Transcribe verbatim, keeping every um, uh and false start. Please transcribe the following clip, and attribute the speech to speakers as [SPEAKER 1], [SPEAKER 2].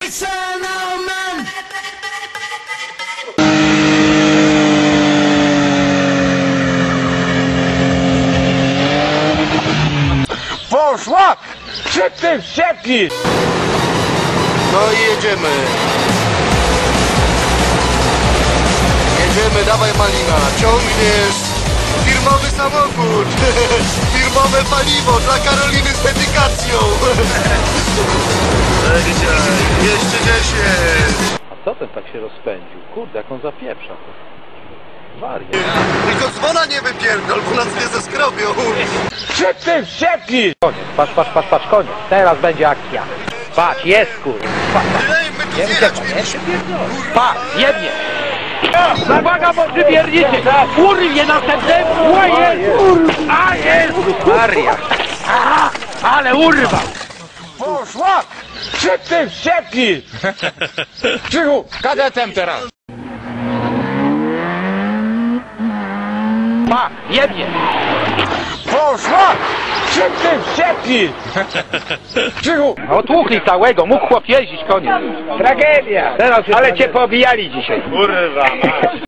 [SPEAKER 1] Poszła! Szybciej wściekli!
[SPEAKER 2] No i jedziemy. Jedziemy, dawaj Malina, ciągniesz firmowy samochód, firmowe paliwo dla Karoliny z dedykacją. dwieście dziesięć.
[SPEAKER 3] A co ten tak się rozpędził? Kurde, jak on zapieprza. Wariat.
[SPEAKER 2] Tylko dzwona nie wypierdol, bo nas nie zeskrobią.
[SPEAKER 1] Szybciej wściekli!
[SPEAKER 3] Koniec, patrz, patrz, patrz, patrz, koniec. Teraz będzie akcja. Patrz, jest kurwa.
[SPEAKER 2] Ej, my tu zjechać mieliśmy.
[SPEAKER 3] Patrz, jebnie. Uwaga, bo przybiernicie! Kurwie następnemu! O jest! A jest! Maria! Aha, ale urwał!
[SPEAKER 1] Poszła! Szybciej wściekli! Krzychu, kadetem teraz!
[SPEAKER 3] Pa, jebnie!
[SPEAKER 1] Poszła! Szybciej wściekli! Krzychu!
[SPEAKER 3] Otłuchli całego, mógł chłop jeździć, koniec. Tragedia! Teraz, ale cię poobijali dzisiaj.
[SPEAKER 1] Kurwa!